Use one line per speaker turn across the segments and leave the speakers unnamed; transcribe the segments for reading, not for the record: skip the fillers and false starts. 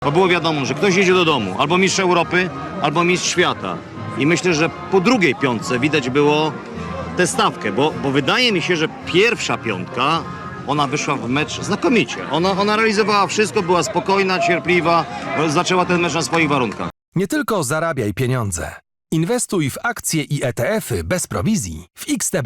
Bo było wiadomo, że ktoś jedzie do domu, albo mistrz Europy, albo mistrz świata. I myślę, że po drugiej piątce widać było tę stawkę, bo wydaje mi się, że pierwsza piątka, ona wyszła w mecz znakomicie. Ona realizowała wszystko, była spokojna, cierpliwa, zaczęła ten mecz na swoich warunkach.
Nie tylko zarabiaj pieniądze. Inwestuj w akcje i ETF-y bez prowizji w XTB.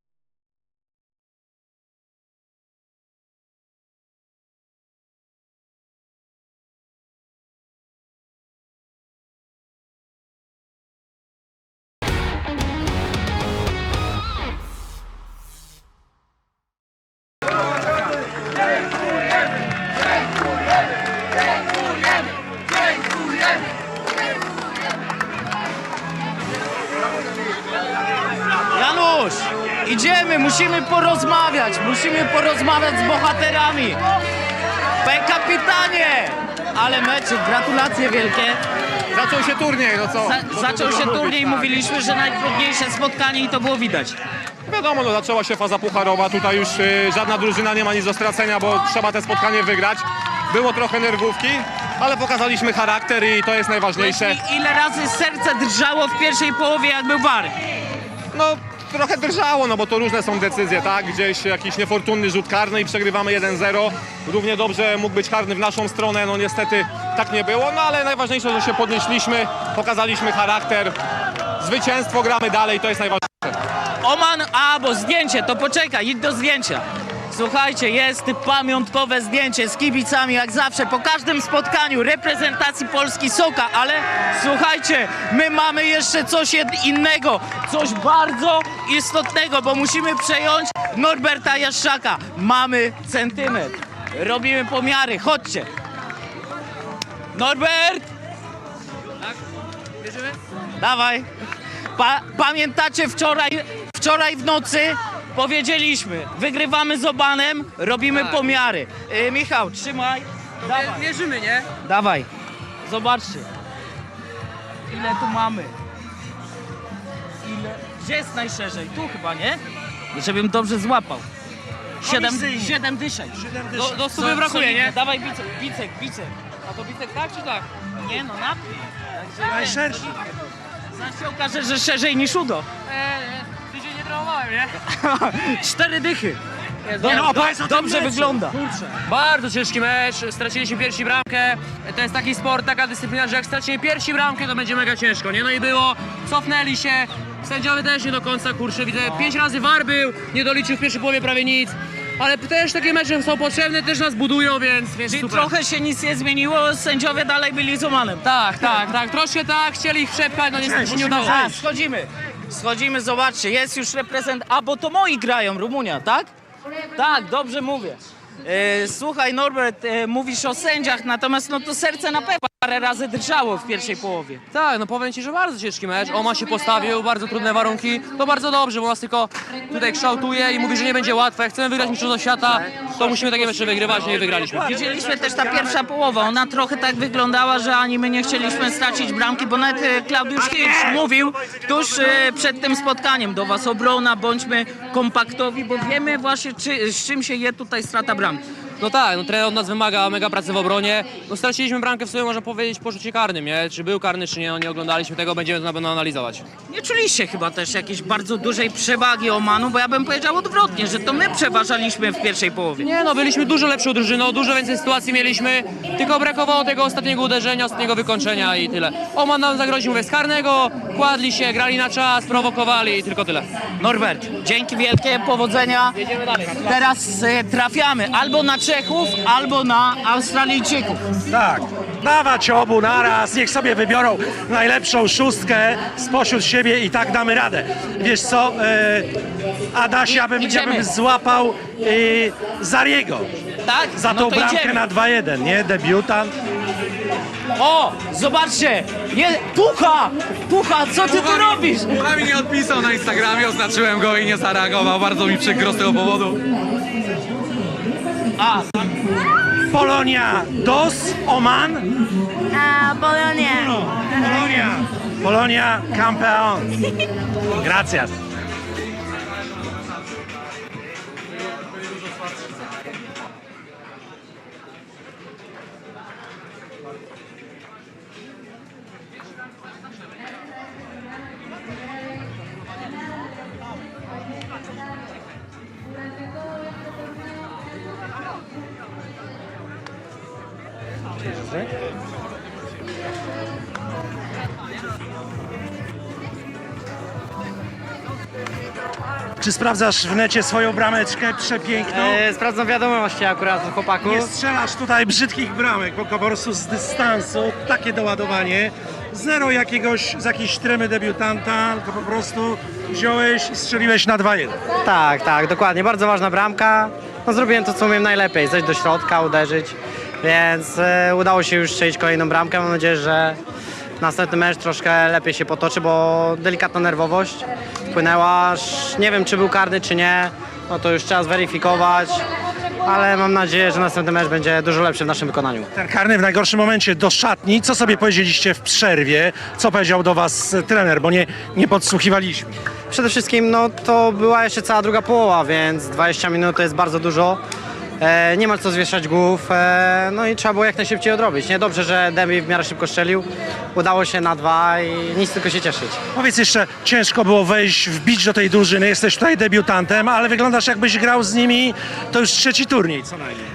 Janusz, idziemy, musimy porozmawiać z bohaterami. Kapitanie! Ale mecz, gratulacje wielkie.
Zaczął się turniej, no co?
Zaczął się turniej, mówiliśmy, że najtrudniejsze spotkanie i to było widać.
Wiadomo, no zaczęła się faza pucharowa, tutaj już żadna drużyna nie ma nic do stracenia, bo trzeba te spotkanie wygrać. Było trochę nerwówki, ale pokazaliśmy charakter i to jest najważniejsze.
Ile razy serce drżało w pierwszej połowie, jak był VAR?
No trochę drżało, no bo to różne są decyzje, tak? Gdzieś jakiś niefortunny rzut karny i przegrywamy 1-0. Równie dobrze mógł być karny w naszą stronę, no niestety tak nie było, no ale najważniejsze, że się podnieśliśmy, pokazaliśmy charakter. Zwycięstwo, gramy dalej, to jest najważniejsze.
Oman, bo zdjęcie, to poczekaj, idź do zdjęcia. Słuchajcie, jest pamiątkowe zdjęcie z kibicami, jak zawsze, po każdym spotkaniu reprezentacji Polski Soka, ale słuchajcie, my mamy jeszcze coś innego, coś bardzo istotnego, bo musimy przejąć Norberta Jaszczaka. Mamy centymetr, robimy pomiary, chodźcie. Norbert! Tak? Bierzemy? Dawaj. Pamiętacie wczoraj w nocy? Powiedzieliśmy, wygrywamy z Omanem, robimy pomiary. Michał, trzymaj. Dawaj.
Mierzymy, nie?
Dawaj. Zobaczcie. Ile tu mamy? Gdzie jest najszerzej? Tu chyba, nie? Żebym dobrze złapał. 7 dyszek.
Do 100 brakuje, nie?
Dawaj bicek.
A to bicek tak czy tak?
Nie no, na. Najszerszy. Zaraz się okaże, że szerzej niż udo.
Tydzień nie trenowałem, nie?
4 dychy.
Dobrze
wygląda.
Kurczę. Bardzo ciężki mecz, straciliśmy pierwszą bramkę. To jest taki sport, taka dyscyplina, że jak stracimy pierwszą bramkę, to będzie mega ciężko, nie? No i było, cofnęli się, sędziowie też nie do końca, kurczę, widzę, 5 razy VAR był, nie doliczył w pierwszej połowie prawie nic. Ale też takie mecze są potrzebne, też nas budują, więc
Czyli
super.
trochę się nic nie zmieniło, sędziowie dalej byli z Omanem.
Tak, troszkę tak, chcieli ich przepchać, no niestety się nie udało.
Schodzimy, zobaczcie, jest już reprezentant, bo to moi grają, Rumunia, tak? Tak, dobrze mówię. Słuchaj Norbert, mówisz o sędziach, natomiast no to serce na pewno parę razy drżało w pierwszej połowie.
Tak, no powiem ci, że bardzo ciężki mecz. Oman się postawił, bardzo trudne warunki. To bardzo dobrze, bo nas tylko tutaj kształtuje i mówi, że nie będzie łatwe. Jak chcemy wygrać mistrzostwo świata, to musimy takie mecze wygrywać, no i wygraliśmy.
Widzieliśmy też ta pierwsza połowa, ona trochę tak wyglądała, że ani my nie chcieliśmy stracić bramki, bo nawet Klaudiusz Hirsch mówił tuż przed tym spotkaniem do was: obrona, bądźmy kompaktowi, bo wiemy właśnie z czym się je tutaj strata bramki.
No tak, no trener od nas wymaga mega pracy w obronie. No straciliśmy bramkę w sobie, można powiedzieć, po rzucie karnym, nie? Czy był karny, czy nie, no nie oglądaliśmy tego, będziemy to na pewno analizować.
Nie czuliście chyba też jakiejś bardzo dużej przewagi Omanu, bo ja bym powiedział odwrotnie, że to my przeważaliśmy w pierwszej połowie.
Nie no, byliśmy dużo lepszą drużyną, dużo więcej sytuacji mieliśmy, tylko brakowało tego ostatniego uderzenia, ostatniego wykończenia i tyle. Oman nam zagroził, mówię, z karnego, kładli się, grali na czas, prowokowali i tylko tyle.
Norbert, dzięki wielkie, powodzenia.
Jedziemy dalej.
Teraz trafiamy albo na Czechów, albo na Australijczyków.
Tak, dawać obu naraz, niech sobie wybiorą najlepszą szóstkę spośród siebie i tak damy radę. Wiesz co, Adaś, ja bym złapał Zariego
Tak?
za
No
tą
to
bramkę
idziemy.
na 2-1, nie? Debiutant.
O, zobaczcie, Pucha, co ty tu robisz?
Pucha mi nie odpisał na Instagramie, oznaczyłem go i nie zareagował. Bardzo mi przykro z tego powodu.
Polonia dos, Oman. Polonia campeón. Gracias. Czy sprawdzasz w necie swoją brameczkę przepiękną?
Sprawdzam wiadomości akurat od chłopaków.
Nie strzelasz tutaj brzydkich bramek, bo po prostu z dystansu takie doładowanie. Zero z jakiejś tremy debiutanta, tylko po prostu wziąłeś i strzeliłeś na 2-1.
Tak, dokładnie. Bardzo ważna bramka. No, zrobiłem to, co umiem najlepiej. Zejść do środka, uderzyć. Więc udało się już strzelić kolejną bramkę. Mam nadzieję, że następny mecz troszkę lepiej się potoczy, bo delikatna nerwowość wpłynęła. Nie wiem, czy był karny, czy nie. No to już trzeba zweryfikować. Ale mam nadzieję, że następny mecz będzie dużo lepszy w naszym wykonaniu.
Ten karny w najgorszym momencie do szatni. Co sobie powiedzieliście w przerwie? Co powiedział do was trener, bo nie podsłuchiwaliśmy.
Przede wszystkim no, to była jeszcze cała druga połowa, więc 20 minut to jest bardzo dużo. Nie ma co zwieszać głów, no i trzeba było jak najszybciej odrobić. Niedobrze, że Demi w miarę szybko strzelił. Udało się na 2 i nic, tylko się cieszyć.
Powiedz jeszcze, ciężko było wejść, wbić do tej drużyny. Jesteś tutaj debiutantem, ale wyglądasz jakbyś grał z nimi, to już 3. turniej co najmniej.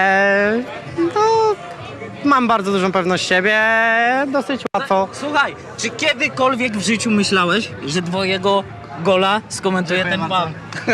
No, mam bardzo dużą pewność siebie, dosyć łatwo.
Słuchaj, czy kiedykolwiek w życiu myślałeś, że twojego gola skomentuje ten pan?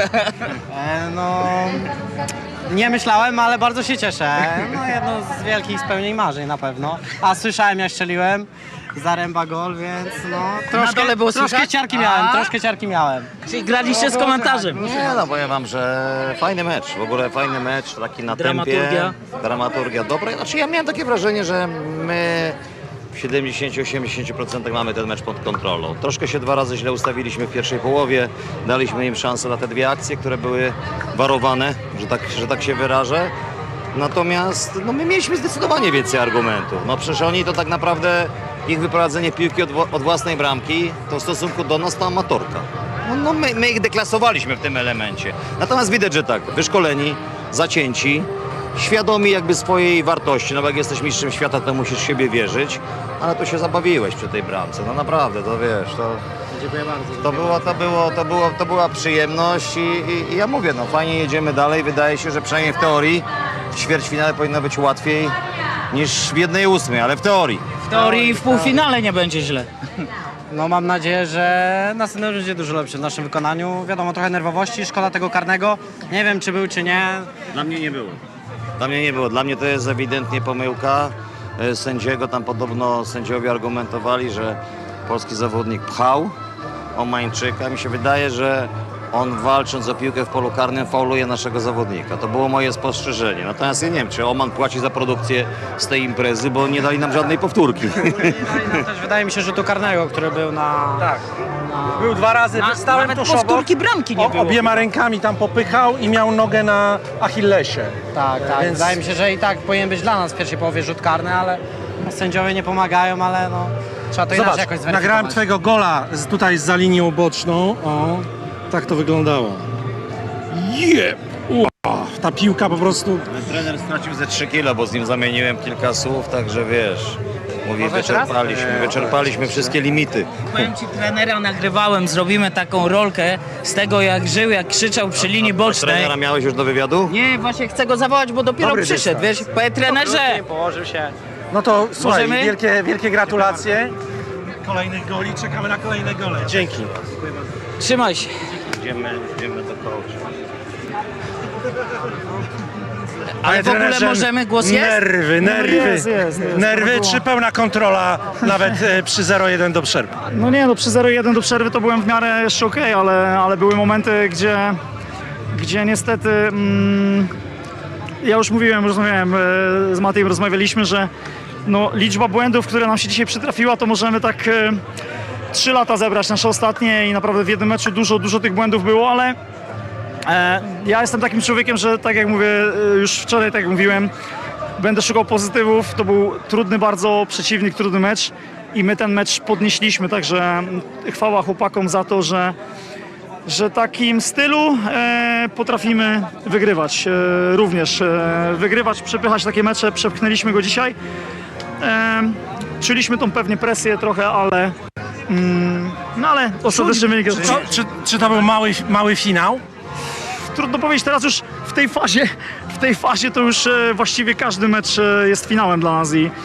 No, nie myślałem, ale bardzo się cieszę. No, jedno z wielkich spełnień marzeń na pewno. A słyszałem, ja strzeliłem. Zaręba gol, więc no...
Na dole było
troszkę
słychać?
ciarki miałem.
Czyli graliście z komentarzem.
Nie, no powiem wam, że fajny mecz, w ogóle fajny mecz, taki na
Dramaturgia.
tempie. Dramaturgia dobra. Znaczy ja miałem takie wrażenie, że my w 70-80% mamy ten mecz pod kontrolą. Troszkę się 2 razy źle ustawiliśmy w pierwszej połowie, daliśmy im szansę na te 2 akcje, które były warowane, że tak się wyrażę. Natomiast no, my mieliśmy zdecydowanie więcej argumentów. No przecież oni to tak naprawdę, ich wyprowadzenie piłki od własnej bramki, to w stosunku do nas to amatorka. No my ich deklasowaliśmy w tym elemencie. Natomiast widać, że tak, wyszkoleni, zacięci, świadomi jakby swojej wartości. No bo jak jesteś mistrzem świata, to musisz w siebie wierzyć, ale tu się zabawiłeś przy tej bramce. No naprawdę, to wiesz, to...
Dziękuję bardzo.
To była przyjemność i ja mówię, no fajnie jedziemy dalej. Wydaje się, że przynajmniej w teorii w ćwierćfinale powinno być łatwiej niż w 1/8, ale w teorii.
W teorii w półfinale nie będzie źle.
No mam nadzieję, że następny mecz będzie dużo lepszy w naszym wykonaniu. Wiadomo, trochę nerwowości, szkoda tego karnego. Nie wiem, czy był, czy nie.
Dla mnie nie było. Dla mnie to jest ewidentnie pomyłka sędziego. Tam podobno sędziowie argumentowali, że polski zawodnik pchał Omańczyka. Mi się wydaje, że on walcząc o piłkę w polu karnym fauluje naszego zawodnika. To było moje spostrzeżenie. Natomiast ja nie wiem, czy Oman płaci za produkcję z tej imprezy, bo nie dali nam żadnej powtórki.
Też wydaje mi się, że to karnego, który był na...
Tak. Był 2 razy, stałem
Nawet
tuż obok.
powtórki bramki nie było.
Obiema rękami tam popychał i miał nogę na Achillesie.
Tak.
Więc-
Wydaje mi się, że i tak powinien być dla nas w pierwszej połowie rzut karny, ale no, sędziowie nie pomagają, ale no, trzeba to inaczej
Zobacz,
jakoś zweryfikować.
nagrałem twojego gola tutaj za linią boczną. O, tak to wyglądało. Ta piłka po prostu...
Trener stracił ze 3 kilo, bo z nim zamieniłem kilka słów, także wiesz, mówi,
Może jeszcze raz?
wyczerpaliśmy wszystkie limity.
Powiem ci, trenera nagrywałem, zrobimy taką rolkę z tego, jak żył, jak krzyczał przy linii bocznej.
Trenera miałeś już do wywiadu?
Nie, właśnie chcę go zawołać, bo dopiero
Dobry
przyszedł,
dystans.
wiesz? Panie trenerze,
Położył się.
No to słuchaj,
Możemy?
wielkie gratulacje. Kolejnych goli, czekamy na kolejne gole. Dzięki.
trzymaj się.
Idziemy do coacha.
Ale w ogóle
trenerze,
możemy, głos jest?
Nerwy czy pełna kontrola nawet przy 0-1 do przerwy?
No nie, no przy 0-1 do przerwy to byłem w miarę jeszcze okej, ale były momenty, gdzie niestety ja już rozmawiałem z Matejem, rozmawialiśmy, że no, liczba błędów, które nam się dzisiaj przytrafiła, to możemy tak 3 lata zebrać nasze ostatnie i naprawdę w jednym meczu dużo tych błędów było, ale ja jestem takim człowiekiem, że tak jak mówię, już wczoraj tak jak mówiłem, będę szukał pozytywów. To był trudny bardzo przeciwnik, trudny mecz i my ten mecz podnieśliśmy, także chwała chłopakom za to, że takim stylu potrafimy wygrywać również. Wygrywać, przepychać takie mecze, przepchnęliśmy go dzisiaj. Czuliśmy tą pewnie presję trochę, ale no ale ostatecznie wynik jest...
Czy to był mały finał?
Trudno powiedzieć, teraz już w tej fazie to już właściwie każdy mecz jest finałem dla nas i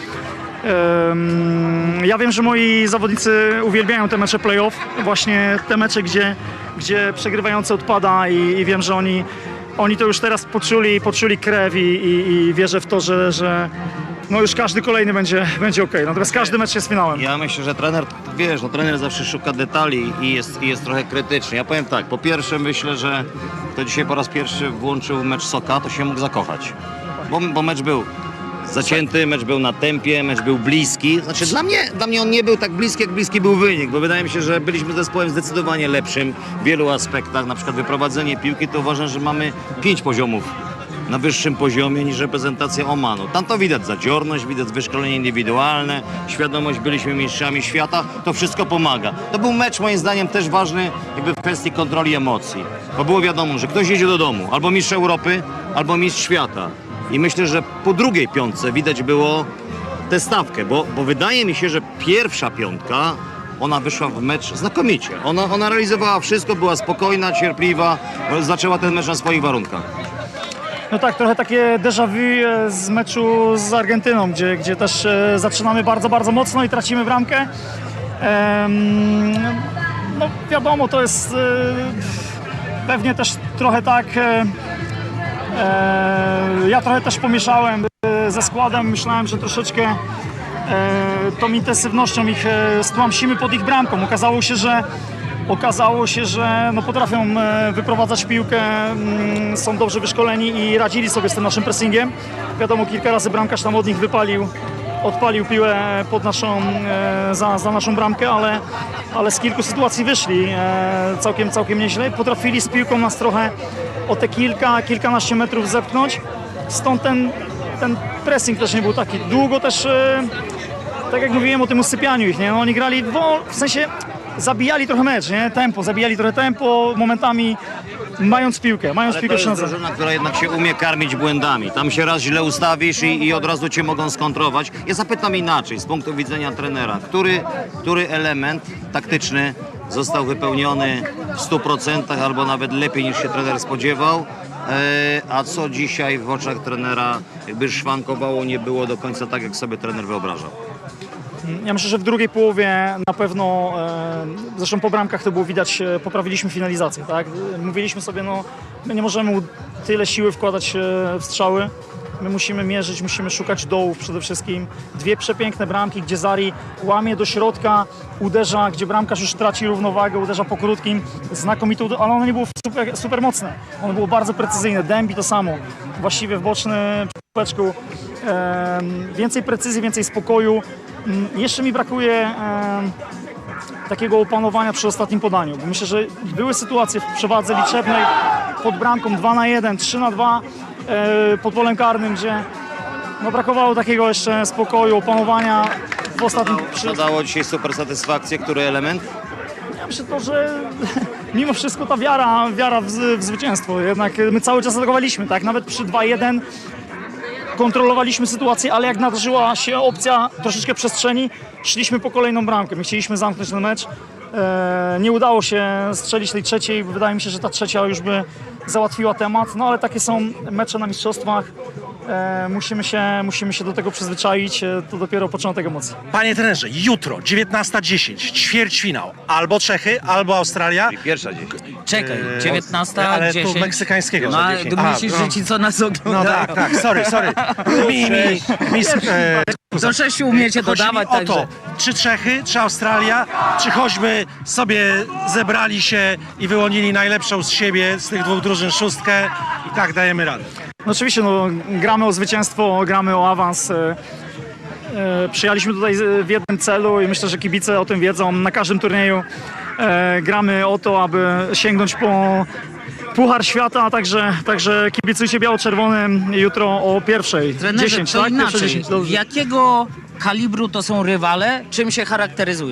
ja wiem, że moi zawodnicy uwielbiają te mecze playoff, właśnie te mecze, gdzie przegrywający odpada i wiem, że oni to już teraz poczuli krew i wierzę w to, że no już każdy kolejny będzie okej. Natomiast każdy mecz jest finałem.
Ja myślę, że trener, wiesz, no trener zawsze szuka detali i jest trochę krytyczny. Ja powiem tak, po pierwsze myślę, że kto dzisiaj po raz pierwszy włączył mecz Soka, to się mógł zakochać. Bo mecz był zacięty, mecz był na tempie, mecz był bliski. Znaczy dla mnie on nie był tak bliski, jak bliski był wynik, bo wydaje mi się, że byliśmy zespołem zdecydowanie lepszym w wielu aspektach. Na przykład wyprowadzenie piłki, to uważam, że mamy 5 poziomów na wyższym poziomie niż reprezentacja Omanu. Tam to widać zadziorność, widać wyszkolenie indywidualne, świadomość, byliśmy mistrzami świata, to wszystko pomaga. To był mecz moim zdaniem też ważny jakby w kwestii kontroli emocji, bo było wiadomo, że ktoś jedzie do domu, albo mistrz Europy, albo mistrz świata. I myślę, że po drugiej piątce widać było tę stawkę, bo wydaje mi się, że pierwsza piątka ona wyszła w mecz znakomicie. Ona realizowała wszystko, była spokojna, cierpliwa, zaczęła ten mecz na swoich warunkach.
No tak, trochę takie déjà vu z meczu z Argentyną, gdzie też zaczynamy bardzo, bardzo mocno i tracimy bramkę. No wiadomo, to jest pewnie też trochę tak, ja trochę też pomieszałem ze składem, myślałem, że troszeczkę tą intensywnością ich stłamsimy pod ich bramką. Okazało się, że no potrafią wyprowadzać piłkę, są dobrze wyszkoleni i radzili sobie z tym naszym pressingiem. Wiadomo, kilka razy bramkarz tam od nich odpalił piłę pod za naszą bramkę, ale z kilku sytuacji wyszli całkiem nieźle. Potrafili z piłką nas trochę o te kilkanaście metrów zepchnąć. Stąd ten pressing też nie był taki. Długo też, tak jak mówiłem o tym usypianiu ich, nie? No, oni grali w sensie zabijali trochę mecz, nie? Zabijali trochę tempo, momentami mając piłkę
Ale to jest
przy nodze.
drużyna, która jednak się umie karmić błędami. Tam się raz źle ustawisz i od razu cię mogą skontrować. Ja zapytam inaczej, z punktu widzenia trenera. Który element taktyczny został wypełniony w 100% albo nawet lepiej niż się trener spodziewał? A co dzisiaj w oczach trenera jakby szwankowało, nie było do końca tak, jak sobie trener wyobrażał?
Ja myślę, że w drugiej połowie na pewno, zresztą po bramkach to było widać, poprawiliśmy finalizację, tak? Mówiliśmy sobie, no my nie możemy tyle siły wkładać w strzały, my musimy mierzyć, musimy szukać dołów przede wszystkim. 2 przepiękne bramki, gdzie Zari łamie do środka, uderza, gdzie bramkarz już traci równowagę, uderza po krótkim, znakomite, ale ono nie było super mocne, ono było bardzo precyzyjne. Dębi to samo, właściwie w boczny peczku, więcej precyzji, więcej spokoju. Jeszcze mi brakuje takiego opanowania przy ostatnim podaniu, bo myślę, że były sytuacje w przewadze liczebnej pod bramką 2-1, 3-2 pod polem karnym, gdzie no, brakowało takiego jeszcze spokoju, opanowania w ostatnim...
Co dało dzisiaj super satysfakcję? Który element?
Ja myślę to, że mimo wszystko ta wiara w zwycięstwo, jednak my cały czas atakowaliśmy, tak, nawet przy 2-1 kontrolowaliśmy sytuację, ale jak nadarzyła się opcja troszeczkę przestrzeni, szliśmy po kolejną bramkę. My chcieliśmy zamknąć ten mecz. Nie udało się strzelić tej trzeciej. Wydaje mi się, że ta trzecia już by załatwiła temat. No ale takie są mecze na mistrzostwach. Musimy się do tego przyzwyczaić. To dopiero początek emocji.
Panie trenerze, jutro 19:10, ćwierćfinał. Albo Czechy, albo Australia.
I pierwsza dzień.
Czekaj, 19:10.
Ale tu meksykańskiego.
No,
za 10.
myślisz, że ci co nas
No
oglądają?
tak, sorry.
Do 6 umiecie
Chodzi mi
dodawać,
o
także...
to, czy Czechy, czy Australia, czy choćby sobie zebrali się i wyłonili najlepszą z siebie, z tych 2 drużyn szóstkę i tak dajemy radę.
No oczywiście, no, gramy o zwycięstwo, gramy o awans. Przyjechaliśmy tutaj w jednym celu i myślę, że kibice o tym wiedzą. Na każdym turnieju gramy o to, aby sięgnąć po Puchar Świata, także kibicujcie biało-czerwonym jutro o 1:00.
Trenerze,
10,
to
tak?
inaczej.
1:10, dobrze.
Jakiego kalibru to są rywale? Czym się charakteryzują?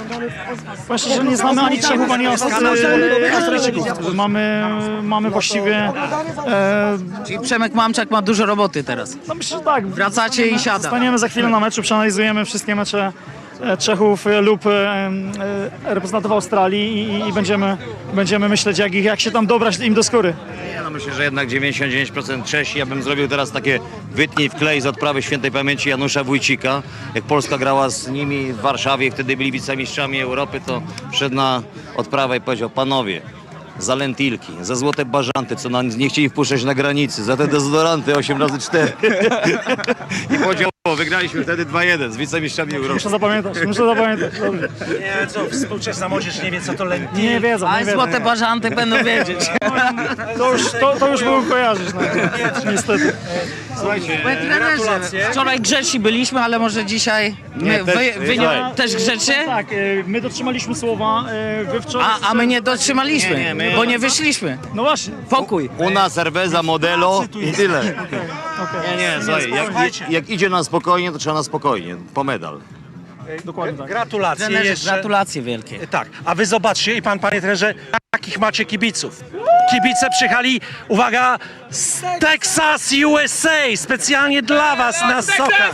Właśnie, że nie znamy ani Czechów, ani Australijczyków. Mamy właściwie...
Czyli Przemek Mamczak ma dużo roboty teraz.
No myślę, że tak.
Wracacie i siada.
Staniemy za chwilę na meczu, przeanalizujemy wszystkie mecze Czechów lub reprezentantów Australii i będziemy myśleć, jak się tam dobrać im do skóry.
No myślę, że jednak 99% Czesi. Ja bym zrobił teraz takie wytnij w klej z odprawy świętej pamięci Janusza Wójcika. Jak Polska grała z nimi w Warszawie, wtedy byli wicemistrzami Europy, to wszedł na odprawę i powiedział: panowie, za lentilki, za złote bażanty, co nam nie chcieli wpuszczać na granicy, za te dezodoranty 8x4. I powiedział: wygraliśmy wtedy 2-1 z wicemistrzami Europy.
Muszę zapamiętać. Dobrze.
Nie, co, współczesna młodzież nie wie, co to lentilki.
Nie wiedzą,
Ale złote bażanty będą wiedzieć.
To już było kojarzyć, no, niestety.
Słuchajcie,
Gratulacje.
Wczoraj grzeczni byliśmy, ale może dzisiaj
słuchaj.
też grzecznie?
Tak, my dotrzymaliśmy słowa, wy wczoraj...
A my nie dotrzymaliśmy,
Nie, my-
bo nie wyszliśmy.
No właśnie.
Pokój.
una cerveza modelo i tyle. Nie, słuchaj, jak idzie na spokojnie, to trzeba na spokojnie, po medal.
Dokładnie tak.
Gratulacje
Trenerze,
jeszcze.
gratulacje wielkie.
Tak, a wy zobaczcie i panie trenerze, jakich macie kibiców. Kibice przyjechali, uwaga, z Texas, USA, specjalnie dla was na Soka.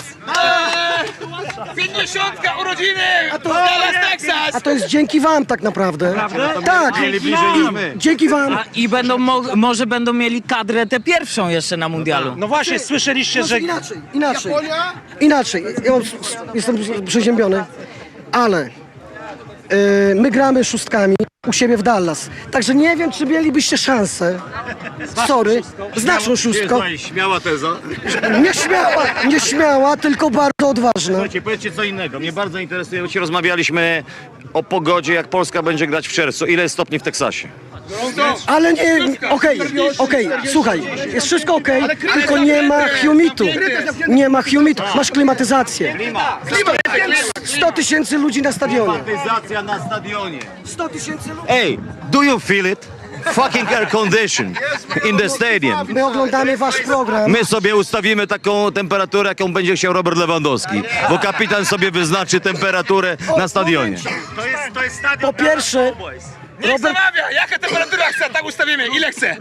50 urodziny! Dallas, Texas!
A to jest dzięki wam tak naprawdę. Tak, dzięki wam.
I może będą mieli kadrę tę pierwszą jeszcze na mundialu.
No właśnie, słyszeliście, że...
Inaczej. Ja jestem przeziębiony, ale my gramy szóstkami u siebie w Dallas. Także nie wiem, czy mielibyście szansę. Sorry, z naszą szóstką.
Śmiała teza.
Nieśmiała, tylko bardzo odważna.
Słuchajcie, powiedzcie co innego. Mnie bardzo interesuje, bo dzisiaj rozmawialiśmy o pogodzie, jak Polska będzie grać w czerwcu. Ile jest stopni w Teksasie?
Ale nie, okej, słuchaj, jest wszystko okej, tylko nie ma humitu. Nie ma humitu. Masz klimatyzację. 100 000 ludzi na stadionie.
Klimatyzacja na stadionie.
100 000 ludzi.
Hey, do you feel it? Fucking air condition in the stadium.
My oglądamy wasz program.
My sobie ustawimy taką temperaturę, jaką będzie chciał Robert Lewandowski, bo kapitan sobie wyznaczy temperaturę na stadionie.
Po pierwsze,
Niech zamawia! Jaka temperatura chce, tak ustawimy. Ile chce?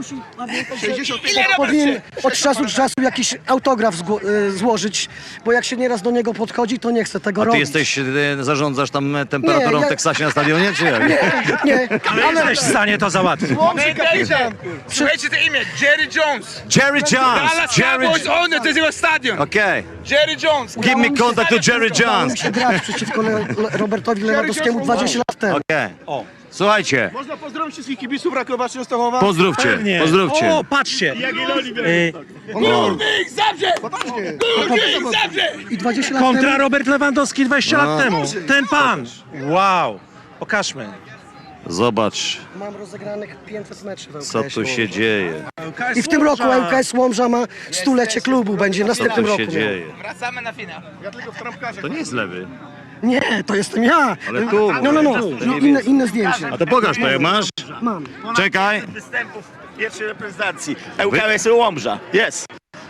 powinien od czasu do czasu jakiś autograf złożyć, bo jak się nieraz do niego podchodzi, to nie chce tego
Ty
robić.
zarządzasz tam temperaturą
Nie,
w Teksasie na stadionie, czy jak?
Nie,
Ale jesteś w stanie to załatwić.
Słuchajcie to imię, Jerry Jones.
Jerry Jones!
Dallas
Jerry
Cowboys owner, to jest jego stadion.
Okay.
Jerry Jones.
Give me contact to Jerry
Udało mi
Jones.
się grać przeciwko Robertowi Lewandowskiemu 20 lat temu.
Okay. Słuchajcie,
Można pozdrowić wszystkich kibiców Rakowa Częstochowa.
pozdrówcie,
Pewnie.
pozdrówcie.
O, patrzcie.
Górnik Zabrze! Górnik Zabrze!
I 20 lat
Kontra
temu
Robert Lewandowski 20 lat temu. Ten pan. Wow. Pokażmy.
Zobacz,
mam rozegranych 500 meczów w
co
LKS
tu się dzieje.
I w tym roku ŁKS Łomża ma stulecie klubu, będzie w
Co
następnym
tu
roku.
się dzieje?
Wracamy na finał.
To nie jest lewy.
Nie, to jestem ja.
Ale tu,
No,
nie
inne zdjęcie.
A to pokaż to, jak masz?
Mam.
Czekaj.
Występów pierwszej reprezentacji. ŁKS Łomża. Jest.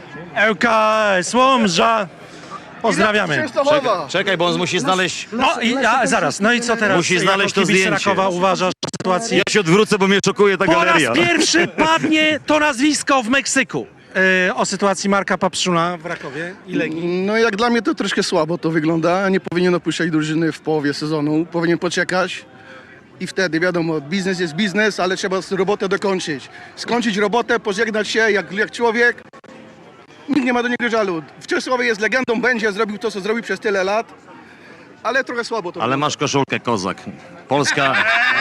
ŁKS Łomża. Pozdrawiamy.
Częstochowa.
Czekaj, bo on musi znaleźć...
No i zaraz, no i co teraz?
Musi znaleźć
Jako
to
kibic
zdjęcie.
Rakowa uważasz, że sytuacja...
Ja się odwrócę, bo mnie szokuje ta
Po raz
galeria.
pierwszy padnie to nazwisko w Meksyku. O sytuacji Marka Papszuna w Rakowie i Legii.
No jak dla mnie to troszkę słabo to wygląda. Nie powinien opuszczać drużyny w połowie sezonu. Powinien poczekać. I wtedy wiadomo, biznes jest biznes, ale trzeba robotę dokończyć. Skończyć robotę, pożegnać się jak człowiek. Nikt nie ma do niego żalu. W Czesławie jest legendą, będzie zrobił to, co zrobił przez tyle lat. Ale trochę słabo to
Ale
wygląda.
masz koszulkę kozak. Polska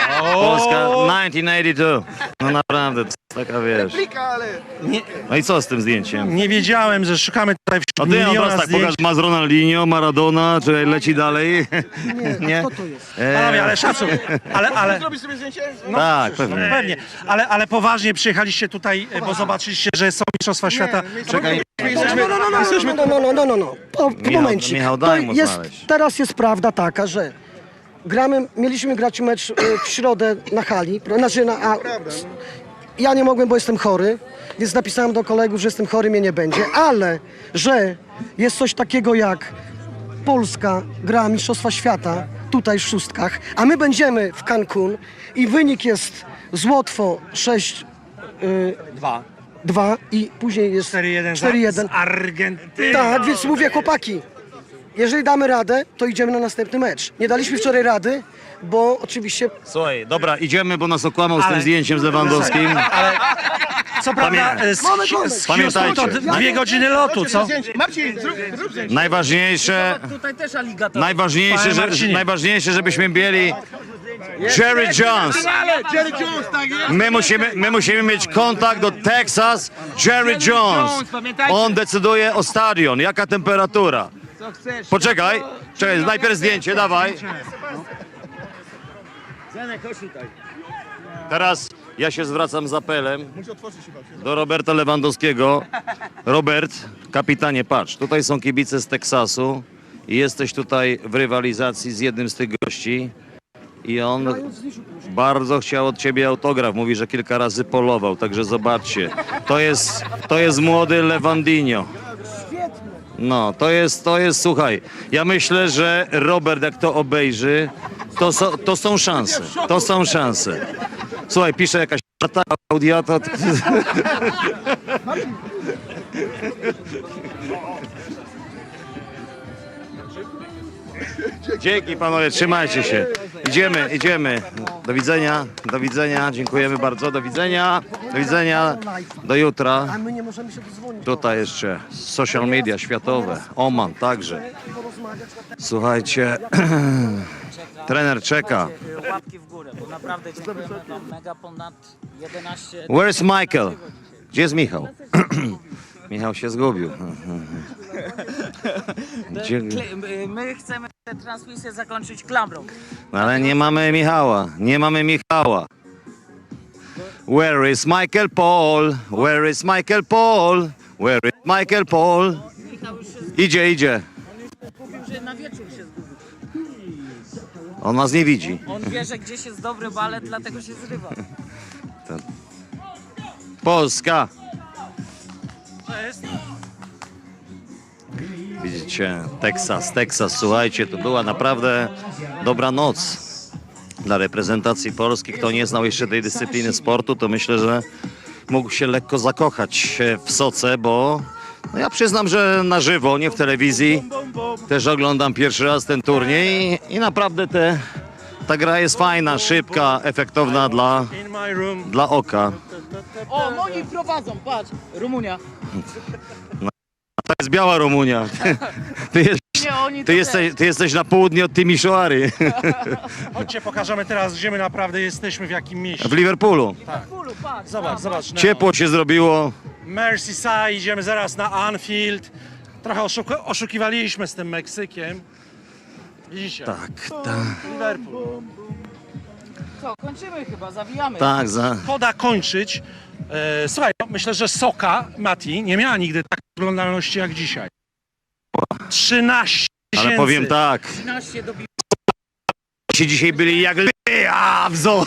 1982. No naprawdę, to jest taka wiesz.
Ale...
No i co z tym zdjęciem?
Nie wiedziałem, że szukamy tutaj
A
wśród
ty on
miliona
teraz tak
zdjęć.
pokaż, ma z Ronaldinho, Maradona, czy leci dalej?
Nie, kto to jest?
Panowie, ale szacun. Ale
Zrobisz sobie zdjęcie?
Tak, pewnie.
pewnie. Ale poważnie przyjechaliście tutaj, bo zobaczyliście, że są mistrzostwa świata.
Czekaj,
No. Po momencie.
Michał, daj mu
jest,
znaleźć.
teraz jest prawda taka, że mieliśmy grać mecz w środę na hali. Ja nie mogłem, bo jestem chory, więc napisałem do kolegów, że jestem chory, mnie nie będzie, ale że jest coś takiego jak Polska gra Mistrzostwa Świata, tutaj w szóstkach, a my będziemy w Cancun i wynik jest z Łotwą 6-2 i później jest
4-1
4-1.
z Argentyną.
Tak, więc mówię, chłopaki, jeżeli damy radę, to idziemy na następny mecz. Nie daliśmy wczoraj rady, bo oczywiście
Słuchaj, dobra, idziemy, bo nas okłamał z tym
Ale-
zdjęciem z Lewandowskim.
Ale co prawda z
Pamiętajcie.
Houston to 2 godziny lotu, co?
Najważniejsze,
Tutaj też aligator.
najważniejsze,
Panie Marcinie.
najważniejsze, żebyśmy mieli Jerry Jones. My musimy mieć kontakt do Texas. Jerry Jones. On decyduje o stadion. Jaka temperatura? Poczekaj, czekaj, najpierw zdjęcie, dawaj. Teraz ja się zwracam z apelem do Roberta Lewandowskiego. Robert, kapitanie, patrz, tutaj są kibice z Teksasu i jesteś tutaj w rywalizacji z jednym z tych gości i on bardzo chciał od ciebie autograf. Mówi, że kilka razy polował, także zobaczcie. To jest młody Lewandinho. No, to jest, słuchaj, ja myślę, że Robert jak to obejrzy, to są szanse, to są szanse. Słuchaj, pisze jakaś Klaudia, to... Dzięki panowie, trzymajcie się. Idziemy. Do widzenia, dziękujemy bardzo, do widzenia, do jutra.
a my nie możemy się dodzwonić.
Tutaj jeszcze social media światowe, Oman także. Słuchajcie, trener czeka.
Łapki w górę, bo naprawdę dziękujemy wam mega ponad 11...
Where's Michael? Gdzie jest Michał? Michał się zgubił. Gdzie...
My chcemy tę transmisję zakończyć klamrą.
Ale nie mamy Michała. Where is Michael Paul? Where is Michael Paul? Where is Michael Paul?
Michał już się
Idzie.
zgubił, że na wieczór się zgubił.
On nas nie widzi.
On wie, że gdzieś jest dobry balet, dlatego się zrywa.
Polska.
To jest
Widzicie, Teksas, słuchajcie, to była naprawdę dobra noc dla reprezentacji Polski. Kto nie znał jeszcze tej dyscypliny sportu, to myślę, że mógł się lekko zakochać w soce, bo no ja przyznam, że na żywo, nie w telewizji, też oglądam pierwszy raz ten turniej i naprawdę ta gra jest fajna, szybka, efektowna
in my room.
dla oka.
O, oni prowadzą, patrz, Rumunia.
To jest biała Rumunia.
Nie, oni
Ty jesteś na południe od Timisoary.
Chodźcie, pokażemy teraz, gdzie my naprawdę jesteśmy, w jakim mieście.
W Liverpoolu.
Zobacz.
Ciepło się zrobiło.
Merseyside, idziemy zaraz na Anfield. Trochę oszukiwaliśmy z tym Meksykiem. Widzicie?
Tak.
Liverpool.
Co, kończymy chyba, zawijamy.
Tak,
Poda kończyć. Słuchaj, myślę, że Soka, Mati, nie miała nigdy takiej oglądalności jak dzisiaj. 13 000.
ale powiem tak.
13 do
Ci dzisiaj byli jak w zoo.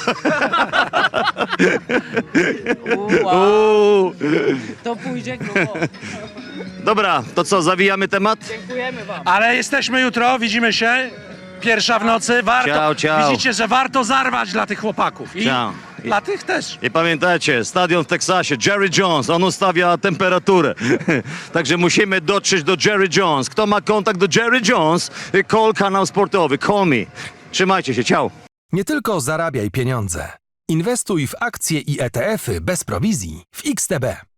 Uuu.
To pójdzie grubo.
Dobra, to co, zawijamy temat?
Dziękujemy wam.
Ale jesteśmy jutro, widzimy się. Pierwsza w nocy. Warto,
Ciao.
Widzicie, że warto zarwać dla tych chłopaków. I
Ciao.
dla tych też.
I pamiętajcie, stadion w Teksasie, Jerry Jones, on ustawia temperaturę. Także musimy dotrzeć do Jerry Jones. Kto ma kontakt do Jerry Jones, call kanał sportowy, call me. Trzymajcie się, ciao.
Nie tylko zarabiaj pieniądze. Inwestuj w akcje i ETF-y bez prowizji w XTB.